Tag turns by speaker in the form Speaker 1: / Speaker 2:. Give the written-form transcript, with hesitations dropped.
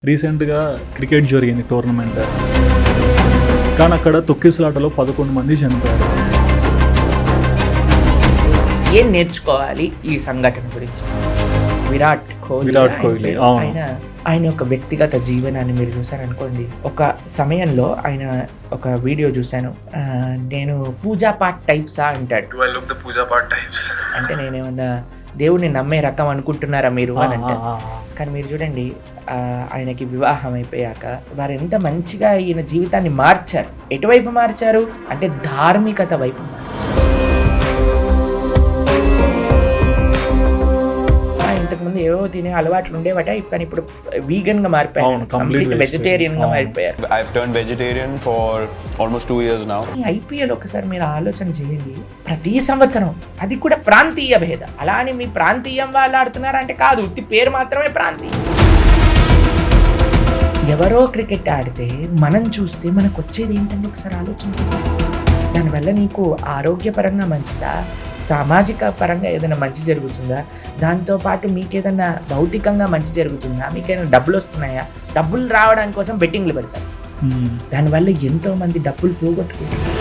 Speaker 1: రీసెంట్‌గా క్రికెట్ జరిగింది టోర్నమెంట్. కానీ అక్కడ తొక్కిసలాటలో 11 మంది చనిపోయారు.
Speaker 2: ఏం నేర్చుకోవాలి ఈ సంఘటన గురించి? విరాట్ కోహ్లీ ఆయన ఒక వ్యక్తిగత జీవనాన్ని మీరు చూసారనుకోండి. ఒక సమయంలో ఆయన ఒక వీడియో చూశాను, నేను పూజా పాట్ టైప్సా అంటాడు. అంటే నేనేమన్నా దేవుడిని నమ్మే రకం అనుకుంటున్నారా మీరు అని అంటారు. కానీ మీరు చూడండి, ఆయనకి వివాహం అయిపోయాక వారు ఎంత మంచిగా ఈయన జీవితాన్ని మార్చారు. ఎటువైపు మార్చారు అంటే ధార్మికత వైపు మార్చారు. ఇంతకుముందు ఏవో తినే అలవాట్లు ఉండేవట, కానీ ఇప్పుడు వీగన్ గా మారిపోయారు, కంప్లీట్ వెజిటేరియన్ గా మారిపోయారు.
Speaker 3: I've turned vegetarian for almost 2 years now.
Speaker 2: ఈ ఐపీఎల్ ఒకసారి మీరు ఆలోచన చేయండి, ప్రతి సంవత్సరం, అది కూడా ప్రాంతీయ భేదం. అలా అని మీ ప్రాంతీయం వాళ్ళు ఆడుతున్నారంటే కాదు, ఉత్తి పేరు మాత్రమే ప్రాంతీయం. ఎవరో క్రికెట్ ఆడితే మనం చూస్తే మనకు వచ్చేది ఏంటంటే ఒకసారి ఆలోచించండి. దానివల్ల నీకు ఆరోగ్యపరంగా మంచిదా, సామాజిక పరంగా ఏదైనా మంచి జరుగుతుందా, దాంతోపాటు మీకు ఏదైనా భౌతికంగా మంచి జరుగుతుందా, మీకు ఏదైనా డబ్బులు వస్తున్నాయా? డబ్బులు రావడానికి కోసం బెట్టింగ్లు పెడతారు. దానివల్ల ఎంతో మంది డబ్బులు పోగొట్టుకుంటారు.